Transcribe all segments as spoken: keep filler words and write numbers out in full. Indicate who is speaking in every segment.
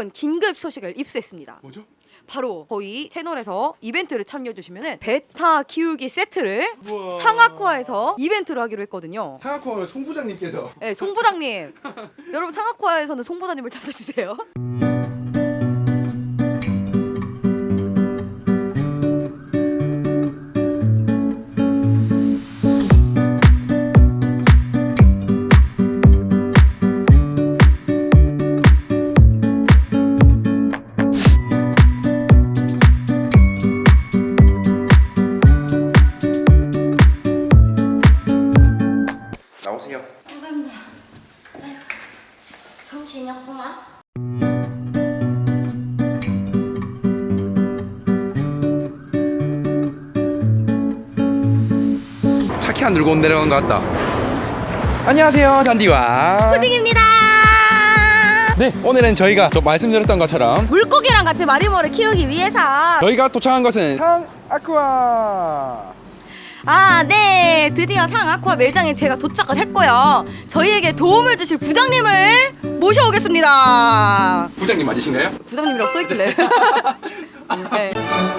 Speaker 1: 놀라운 긴급 소식을 입수했습니다.
Speaker 2: 뭐죠?
Speaker 1: 바로 저희 채널에서 이벤트를 참여해주시면 베타 키우기 세트를
Speaker 2: 우와.
Speaker 1: 상아쿠아에서 이벤트를 하기로 했거든요.
Speaker 2: 상하코어 송 부장님께서
Speaker 1: 네, 송 부장님. 여러분 상아쿠아에서는 송 부장님을 찾아주세요.
Speaker 2: 나오세요.
Speaker 3: 아이고 힘들어. 아이고 정신이 없구만.
Speaker 2: 차키 안 들고 내려간 것 같다. 안녕하세요, 단디와
Speaker 1: 푸딩입니다.
Speaker 2: 네, 오늘은 저희가 또 말씀드렸던 것처럼
Speaker 1: 물고기랑 같이 마리모를 키우기 위해서
Speaker 2: 저희가 도착한 것은 상아쿠아.
Speaker 1: 아, 네. 드디어 상아쿠아 매장에 제가 도착을 했고요. 저희에게 도움을 주실 부장님을 모셔오겠습니다.
Speaker 2: 부장님 맞으신가요?
Speaker 1: 부장님이라고 써있길래. 네.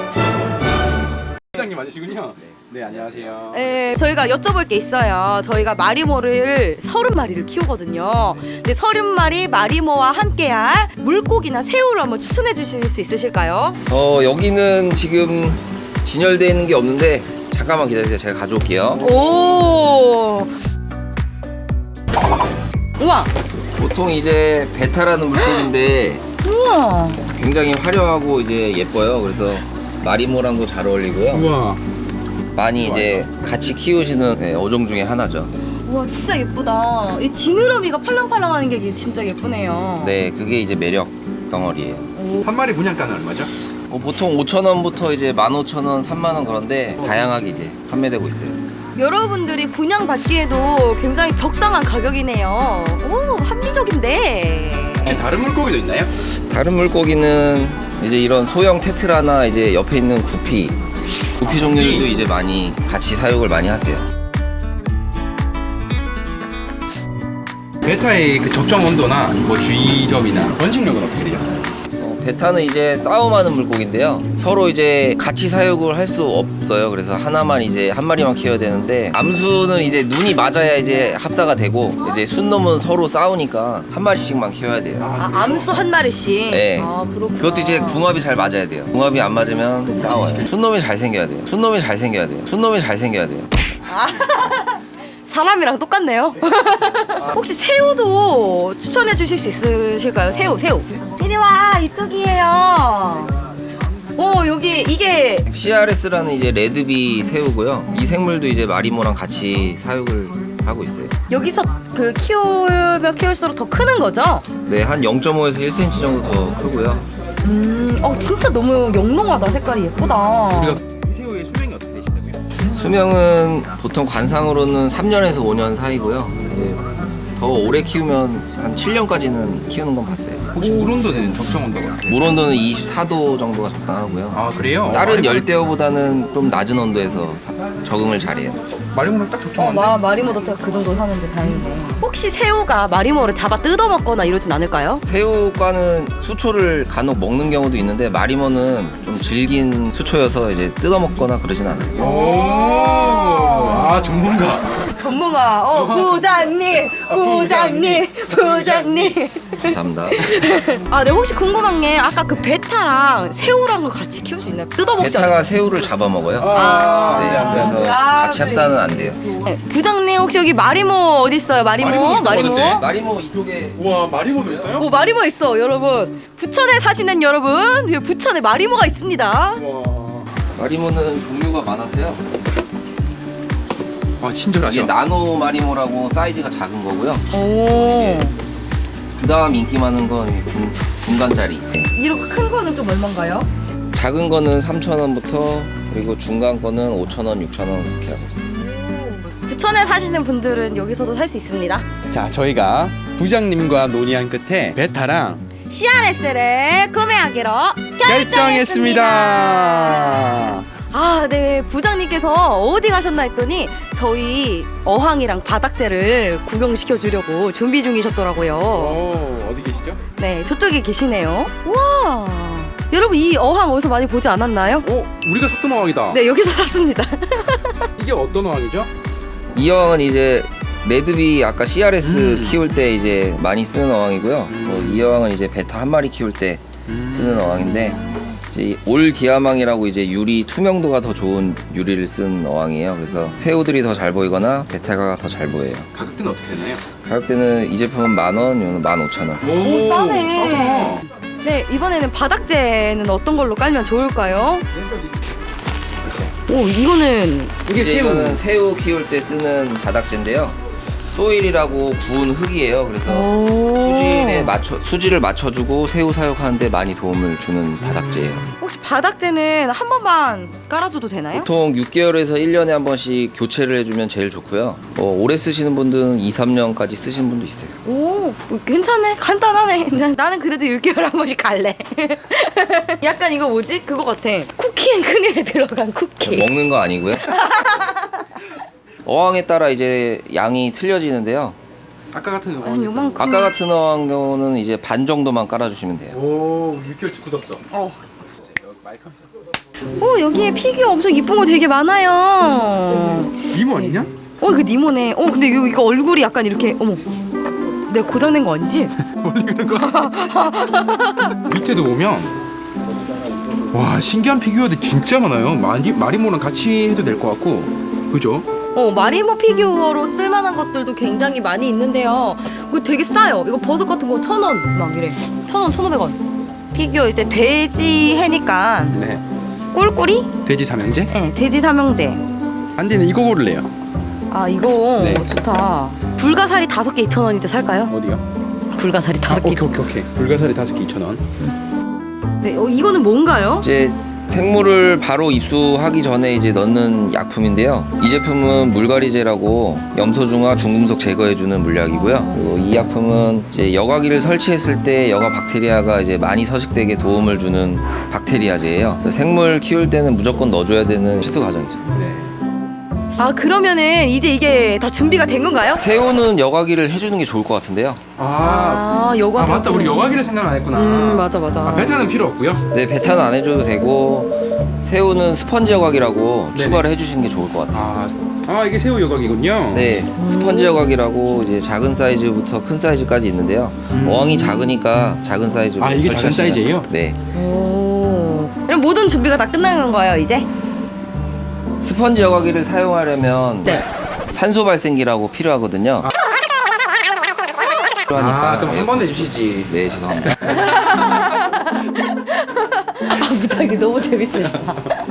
Speaker 2: 부장님 맞으시군요. 네, 안녕하세요.
Speaker 1: 네, 저희가 여쭤볼 게 있어요. 저희가 마리모를 서른 마리를 키우거든요. 근데 서른 마리 마리모와 함께할 물고기나 새우를 한번 추천해 주실 수 있으실까요?
Speaker 4: 어 여기는 지금 진열되어 있는 게 없는데 잠깐만 기다리세요. 제가 가져올게요.
Speaker 1: 오. 우와.
Speaker 4: 보통 이제 베타라는 물고기인데
Speaker 1: 우와.
Speaker 4: 굉장히 화려하고 이제 예뻐요. 그래서 마리모랑도 잘 어울리고요.
Speaker 2: 우와.
Speaker 4: 많이 이제 같이 키우시는 네, 어종 중에 하나죠.
Speaker 1: 우와, 진짜 예쁘다. 이 지느러미가 팔랑팔랑하는 게 진짜 예쁘네요.
Speaker 4: 네, 그게 이제 매력 덩어리예요.
Speaker 2: 한 마리 분양가는 얼마죠?
Speaker 4: 어, 보통 오천 원부터 이제 만 오천 원, 삼만 원 그런데 다양하게 이제 판매되고 있어요.
Speaker 1: 여러분들이 분양받기에도 굉장히 적당한 가격이네요. 오, 합리적인데.
Speaker 2: 혹시 다른 물고기도 있나요?
Speaker 4: 다른 물고기는 이제 이런 소형 테트라나 이제 옆에 있는 구피, 구피 종류들도 이제 많이 같이 사육을 많이 하세요.
Speaker 2: 베타의 그 적정 온도나 뭐 주의점이나 번식력은 어떻게 돼요?
Speaker 4: 어, 베타는 이제 싸움하는 물고기인데요. 서로 이제 같이 사육을 할 수 없어요. 그래서 하나만 이제 한 마리만 키워야 되는데 암수는 이제 눈이 맞아야 이제 합사가 되고 이제 순놈은 서로 싸우니까 한 마리씩만 키워야 돼요.
Speaker 1: 아, 암수 한 마리씩.
Speaker 4: 네.
Speaker 1: 아, 그렇구나.
Speaker 4: 그것도 이제 궁합이 잘 맞아야 돼요. 궁합이 안 맞으면 싸워요. 순놈이 잘 생겨야 돼요. 순놈이 잘 생겨야 돼요. 순놈이 잘 생겨야 돼요.
Speaker 1: 사람이랑 똑같네요. 혹시 새우도 추천해 주실 수 있으실까요? 새우, 새우. 이리 와, 이쪽이에요. 오, 여기 이게
Speaker 4: 씨알에스라는 이제 레드비 새우고요. 이 생물도 이제 마리모랑 같이 사육을 하고 있어요.
Speaker 1: 여기서 그 키우면 키울수록 더 크는 거죠?
Speaker 4: 네, 한 영 점 오에서 일 센티미터 정도 더 크고요.
Speaker 1: 음, 어 진짜 너무 영롱하다. 색깔이 예쁘다.
Speaker 2: 우리가 이 새우의 수명이 어떻게 되신다고요?
Speaker 4: 수명은 보통 관상으로는 삼 년에서 오 년 사이고요. 이제 더 오래 키우면 한 칠 년까지는 키우는 건 봤어요.
Speaker 2: 혹시 물 온도는 적정 온도가 어때요?
Speaker 4: 물 온도는 이십사 도 정도가 적당하고요.
Speaker 2: 아, 그래요?
Speaker 4: 다른 열대어보다는 좀 낮은 온도에서 사- 적응을 잘해요.
Speaker 2: 마리모랑 딱
Speaker 1: 어,
Speaker 2: 적정한데?
Speaker 1: 마, 마리모도 그 정도 사는데 다행이네. 혹시 새우가 마리모를 잡아 뜯어먹거나 이러진 않을까요?
Speaker 4: 새우과는 수초를 간혹 먹는 경우도 있는데 마리모는 좀 질긴 수초여서 이제 뜯어먹거나 그러진 않아요.
Speaker 2: 오, 아, 전문가.
Speaker 1: 전문가, 어, 부장님, 부장님, 부장님.
Speaker 4: 감사합니다.
Speaker 1: 아, 네, 혹시 궁금한 게 아까 그 베타랑 새우랑 같이 키울 수 있나요? 뜯어먹지
Speaker 4: 베타가
Speaker 1: 않나요?
Speaker 4: 새우를 잡아먹어요.
Speaker 1: 아,
Speaker 4: 네, 그래서
Speaker 1: 아,
Speaker 4: 같이 합사는 안 돼요.
Speaker 1: 네, 부장님 혹시 여기 마리모 어디 있어요? 마리모,
Speaker 2: 마리모
Speaker 1: 마리모.
Speaker 2: 있다고
Speaker 4: 마리모 이쪽에
Speaker 2: 우와, 마리모도 있어요?
Speaker 1: 오, 마리모 있어, 여러분. 부천에 사시는 여러분, 여기 부천에 마리모가 있습니다.
Speaker 2: 우와.
Speaker 4: 마리모는 종류가 많아서요.
Speaker 2: 아, 친절하죠?
Speaker 4: 이게 나노 마리모라고 사이즈가 작은 거고요.
Speaker 1: 오,
Speaker 4: 그 다음 인기 많은 건 중, 중간짜리.
Speaker 1: 이렇게 큰 거는 좀 얼마인가요?
Speaker 4: 작은 거는 삼천 원부터 그리고 중간 거는 오천 원, 육천 원 그렇게 하고 있어요.
Speaker 1: 부천에 사시는 분들은 여기서도 살 수 있습니다.
Speaker 2: 자, 저희가 부장님과 논의한 끝에 베타랑
Speaker 1: 씨알에스를 구매하기로 결정했습니다.
Speaker 2: 결정했습니다.
Speaker 1: 아, 네. 부장님께서 어디 가셨나 했더니 저희 어항이랑 바닥재를 구경시켜 주려고 준비 중이셨더라고요.
Speaker 2: 오, 어디 계시죠? 계시죠?
Speaker 1: 네, 저쪽에 계시네요. 와, 여러분 이 어항 어디서 많이 보지 않았나요?
Speaker 2: 오, 우리가 샀던 어항이다.
Speaker 1: 네, 여기서 샀습니다.
Speaker 2: 이게 어떤 어항이죠?
Speaker 4: 이 어항은 이제 매듭이 아까 씨알에스
Speaker 2: 음.
Speaker 4: 키울 때 이제 많이 쓰는 어항이고요. 어, 이 어항은 이제 베타 한 마리 키울 때 쓰는 어항인데 이제 올 기아망이라고 이제 유리 투명도가 더 좋은 유리를 쓴 어항이에요. 그래서 새우들이 더 잘 보이거나 베타가 더 잘 보여요.
Speaker 2: 가격대는 어떻게 되나요?
Speaker 4: 가격대는 이 제품은 만 원, 이거는 만 오천 원.
Speaker 1: 오, 싸네.
Speaker 2: 싸다.
Speaker 1: 네, 이번에는 바닥재는 어떤 걸로 깔면 좋을까요? 오, 이거는
Speaker 2: 이게
Speaker 4: 이제
Speaker 2: 새우.
Speaker 4: 이거는 새우 키울 때 쓰는 바닥재인데요. 소일이라고 구운 흙이에요. 그래서
Speaker 1: 오.
Speaker 4: 수질에 맞춰 수질을 맞춰주고 새우 사육하는데 많이 도움을 주는 바닥재예요.
Speaker 1: 혹시 바닥재는 한 번만 깔아줘도 되나요?
Speaker 4: 보통 육 개월에서 일 년에 한 번씩 교체를 해주면 제일 좋고요. 어, 오래 쓰시는 분들은 이, 삼 년까지 쓰시는 분도 있어요.
Speaker 1: 오, 괜찮네. 간단하네. 나는 그래도 육 개월에 한 번씩 갈래. 약간 이거 뭐지? 그거 같아. 쿠키 앤 크림에 들어간 쿠키.
Speaker 4: 먹는 거 아니고요. 어항에 따라 이제 양이 틀려지는데요.
Speaker 2: 아까 같은
Speaker 1: 아니,
Speaker 2: 어항.
Speaker 1: 요만큼.
Speaker 4: 아까 같은 어항 경우는 이제 반 정도만 깔아주시면 돼요.
Speaker 2: 오, 육 개월치 굳었어.
Speaker 1: 어. 오, 여기에 피규어 엄청 이쁜 거 되게 많아요.
Speaker 2: 이모 아니냐?
Speaker 1: 어, 이거 니모네. 어, 근데 이거, 이거 얼굴이 약간 이렇게, 어머. 내가 고장낸 거 아니지?
Speaker 2: 밑에도 보면 와, 신기한 피규어들 진짜 많아요. 마리, 마리모랑 같이 해도 될 것 같고, 그죠?
Speaker 1: 어, 마리모 피규어로 쓸만한 것들도 굉장히 많이 있는데요. 이거 되게 싸요. 이거 버섯 같은 거 천 원 막 이래. 천 원, 천오백 원. 피규어 이제 돼지 해니까
Speaker 2: 네.
Speaker 1: 꿀꿀이?
Speaker 2: 돼지 삼형제?
Speaker 1: 네, 돼지 삼형제.
Speaker 2: 안디는 이거 고를래요.
Speaker 1: 아, 이거
Speaker 2: 네.
Speaker 1: 좋다. 불가사리 다섯 개 이천 원인데 살까요?
Speaker 2: 어디요?
Speaker 1: 불가사리 다섯 개.
Speaker 2: 오케이 오케이 오케이. 불가사리 다섯 개 이천 원.
Speaker 1: 네, 어, 이거는 뭔가요?
Speaker 4: 이제 생물을 바로 입수하기 전에 이제 넣는 약품인데요. 이 제품은 물갈이제라고 염소 중화 중금속 제거해주는 물약이고요. 그리고 이 약품은 이제 여과기를 설치했을 때 여과 박테리아가 이제 많이 서식되게 도움을 주는 박테리아제예요. 그래서 생물 키울 때는 무조건 넣어줘야 되는 필수 과정이죠.
Speaker 2: 네.
Speaker 1: 아, 그러면은 이제 이게 다 준비가 된 건가요?
Speaker 4: 새우는 여과기를 해주는 게 좋을 것 같은데요.
Speaker 2: 아,
Speaker 1: 아, 여과.
Speaker 2: 아 맞다. 우리 여과기를 생각 안 했구나.
Speaker 1: 음, 맞아, 맞아.
Speaker 2: 아, 베타는 필요 없고요.
Speaker 4: 네, 베타는 안 해줘도 되고 새우는 스펀지 여과기라고
Speaker 2: 네네.
Speaker 4: 추가를 해주시는 게 좋을 것 같아요.
Speaker 2: 아, 아 이게 새우 여과기군요.
Speaker 4: 네, 스펀지 여과기라고 이제 작은 사이즈부터 큰 사이즈까지 있는데요. 어항이 작으니까 작은 사이즈로
Speaker 2: 아, 이게 작은
Speaker 4: 설치하시면-
Speaker 2: 사이즈예요?
Speaker 4: 네.
Speaker 1: 오. 그럼 모든 준비가 다 끝난 거예요, 이제?
Speaker 4: 스펀지 여과기를 사용하려면
Speaker 1: 네.
Speaker 4: 산소 발생기라고 필요하거든요.
Speaker 2: 아, 그럼
Speaker 4: 예.
Speaker 2: 한 번 내주시지.
Speaker 4: 네, 죄송합니다.
Speaker 1: 아, 부장님 너무 재밌으시다.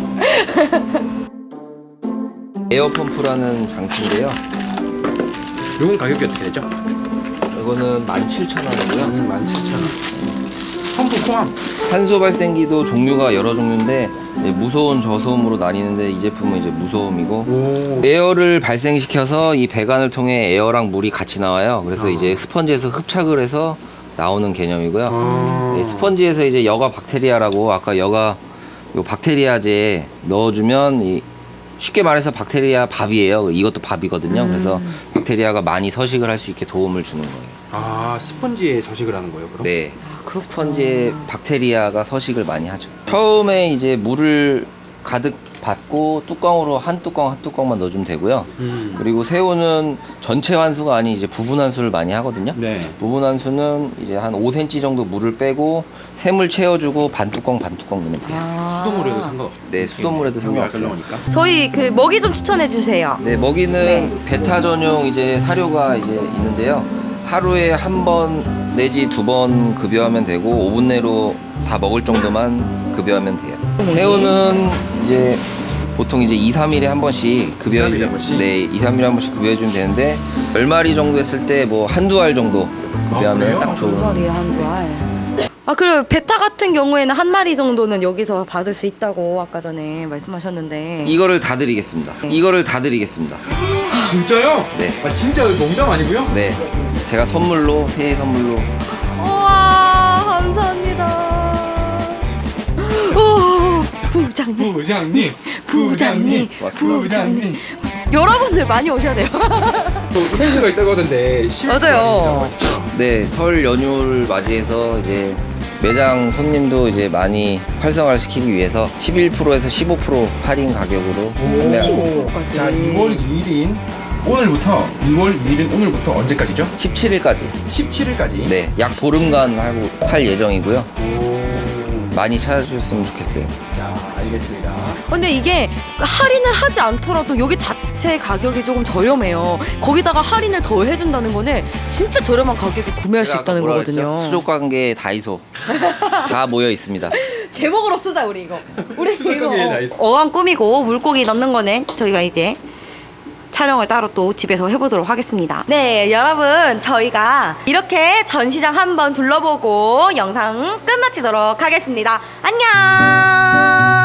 Speaker 4: 에어펌프라는 장치인데요.
Speaker 2: 요건 가격이 어떻게 되죠?
Speaker 4: 이거는 만 칠천 원이고요.
Speaker 2: 음, 만 칠천 원. 펌프 포함.
Speaker 4: 산소 발생기도 종류가 여러 종류인데 이제 무소음, 저소음으로 나뉘는데 이 제품은 이제 무소음이고
Speaker 2: 오.
Speaker 4: 에어를 발생시켜서 이 배관을 통해 에어랑 물이 같이 나와요. 그래서
Speaker 2: 아.
Speaker 4: 이제 스펀지에서 흡착을 해서 나오는 개념이고요.
Speaker 2: 아.
Speaker 4: 네, 스펀지에서 이제 여과 박테리아라고 아까 여과 요 박테리아제 넣어주면 이 쉽게 말해서 박테리아 밥이에요. 이것도 밥이거든요. 그래서 박테리아가 많이 서식을 할 수 있게 도움을 주는 거예요.
Speaker 2: 아, 스펀지에 서식을 하는 거예요, 그럼?
Speaker 4: 네.
Speaker 1: 그렇구나.
Speaker 4: 스펀지에 박테리아가 서식을 많이 하죠. 처음에 이제 물을 가득 받고 뚜껑으로 한 뚜껑 한 뚜껑만 넣어주면 되고요.
Speaker 2: 음.
Speaker 4: 그리고 새우는 전체 환수가 아닌 이제 부분 환수를 많이 하거든요.
Speaker 2: 네.
Speaker 4: 부분 환수는 이제 한 오 센티미터 정도 물을 빼고 샘을 채워주고 반 뚜껑 반 뚜껑 넣으면 돼요.
Speaker 1: 아.
Speaker 2: 수돗물에도 상관없어.
Speaker 4: 네, 수돗물에도 상관없어요.
Speaker 2: 거니까.
Speaker 1: 저희 그 먹이 좀 추천해 주세요.
Speaker 4: 네, 먹이는 베타 전용 이제 사료가 이제 있는데요. 하루에 한 번 내지 두 번 급여하면 되고 오 분 내로 다 먹을 정도만 급여하면 돼요. 새우는 이제 보통 이제 이, 삼 일에 한 번씩 급여해
Speaker 2: 이, 삼 일에 한
Speaker 4: 주면
Speaker 2: 번씩?
Speaker 4: 네, 이, 삼 일에 한 번씩 급여해 주면 되는데 열 마리 정도 했을 때 뭐 한두 알 정도 급여하면
Speaker 2: 그래요?
Speaker 4: 딱 좋은.
Speaker 1: 마리에 한두 알. 아, 그리고 베타 같은 경우에는 한 마리 정도는 여기서 받을 수 있다고 아까 전에 말씀하셨는데.
Speaker 4: 이거를 다 드리겠습니다. 이거를 다 드리겠습니다.
Speaker 2: 진짜요?
Speaker 4: 네.
Speaker 2: 아, 진짜 농담 아니고요?
Speaker 4: 네. 제가 선물로 새해 선물로
Speaker 1: 우와, 감사합니다. 오, 부장님.
Speaker 2: 부장님.
Speaker 1: 부장님.
Speaker 4: 고맙습니다.
Speaker 2: 부장님.
Speaker 1: 여러분들 많이 오셔야 돼요.
Speaker 2: 또 이벤트가 있다고 하던데. 십일
Speaker 1: 맞아요.
Speaker 2: 일
Speaker 4: 네, 설 연휴를 맞이해서 이제 매장 손님도 이제 많이 활성화를 시키기 위해서 십일 퍼센트에서 십오 퍼센트 할인 가격으로 판매하고
Speaker 1: 십오 퍼센트까지.
Speaker 2: 자, 이월 이일인 오늘부터 이월 이일인 오늘부터 언제까지죠?
Speaker 4: 십칠 일까지.
Speaker 2: 십칠 일까지.
Speaker 4: 네, 약 보름간 하고 할 예정이고요. 많이 찾아주셨으면 좋겠어요.
Speaker 2: 자, 알겠습니다.
Speaker 1: 근데 이게 할인을 하지 않더라도 여기 자체 가격이 조금 저렴해요. 거기다가 할인을 더 해준다는 거는 진짜 저렴한 가격에 구매할 수
Speaker 4: 제가 아까
Speaker 1: 있다는
Speaker 4: 뭐라
Speaker 1: 거거든요.
Speaker 4: 그랬죠? 수족관계 다이소 다 모여 있습니다.
Speaker 1: 제목으로 쓰자 우리 이거. 우리 이거
Speaker 2: 수족관계 다이소.
Speaker 1: 어항 꾸미고 물고기 넣는 거는 저희가 이제 촬영을 따로 또 집에서 해보도록 하겠습니다. 네, 여러분 저희가 이렇게 전시장 한번 둘러보고 영상 끝마치도록 하겠습니다. 안녕.